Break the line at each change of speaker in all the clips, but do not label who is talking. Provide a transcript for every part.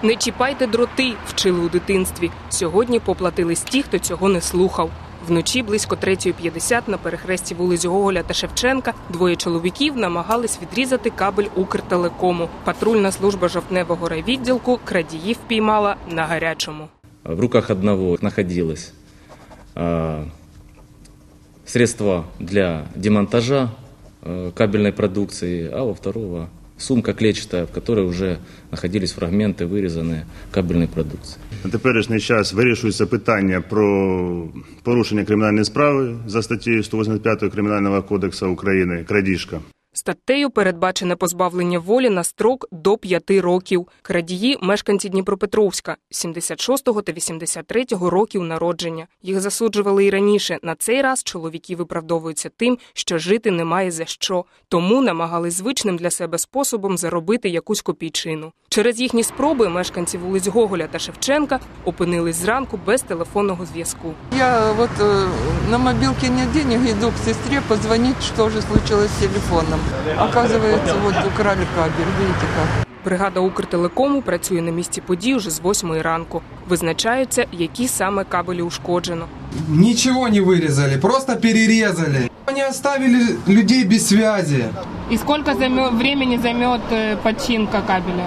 Не чіпайте дроти, вчили у дитинстві. Сьогодні поплатились ті, хто цього не слухав. Вночі близько 3:50 на перехресті вулиць Гоголя та Шевченка двоє чоловіків намагались відрізати кабель Укртелекому. Патрульна служба Жовтневого райвідділку крадіїв піймала на гарячому.
В руках одного находилось средства для демонтажа кабельной продукции, а у второго сумка клетчатая, в которой уже находились фрагменты вырезанной кабельной продукции.
На теперішній час вирішується питання про порушення кримінальної справи за статтею 185 Кримінального кодексу України «Крадіжка».
Статтею передбачене позбавлення волі на строк до 5 років. Крадії – мешканці Дніпропетровська, 76-го та 83-го років народження. Їх засуджували і раніше. На цей раз чоловіки виправдовуються тим, що жити немає за що. Тому намагались звичним для себе способом заробити якусь копійчину. Через їхні спроби мешканці вулиць Гоголя та Шевченка опинились зранку без телефонного зв'язку.
Я на мобилке нет денег, иду к сестре позвонить, что же случилось с телефоном. Оказывается, украли кабель, видите как.
Бригада Укртелекому працює на місці подій уже з 8-ї ранку. Визначаються, які саме кабелі ушкоджено.
Ничего не вырезали, просто перерезали. Они оставили людей без связи.
И сколько времени займет починка кабеля?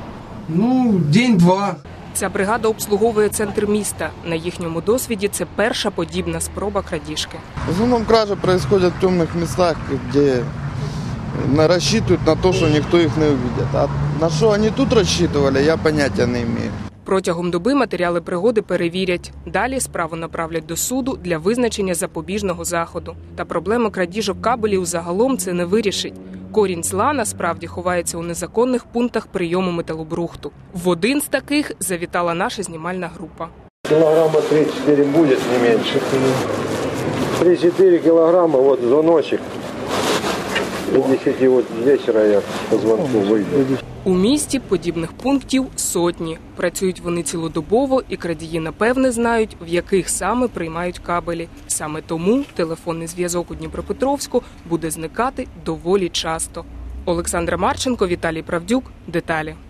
День-два.
Ця бригада обслуговує центр міста. На їхньому досвіді це перша подібна спроба крадіжки.
В основном кражи происходят в темных местах, где рассчитывают на то, что никто их не увидит. А на что они тут рассчитывали, я понятия не имею.
Протягом доби матеріали пригоди перевірять. Далі справу направлять до суду для визначення запобіжного заходу. Та проблема крадіжок кабелів загалом це не вирішить. Корінь зла насправді ховається у незаконних пунктах прийому металобрухту. В один з таких завітала наша знімальна група.
Килограмма 3-4 будет, не меньше. 3-4 килограмма, звоночек. До 10 вечера я по звонку выйду.
У місті подібних пунктів сотні. Працюють вони цілодобово, і крадії напевне знають, в яких саме приймають кабелі. Саме тому телефонний зв'язок у Дніпропетровську буде зникати доволі часто. Олександра Марченко, Віталій Правдюк. Деталі.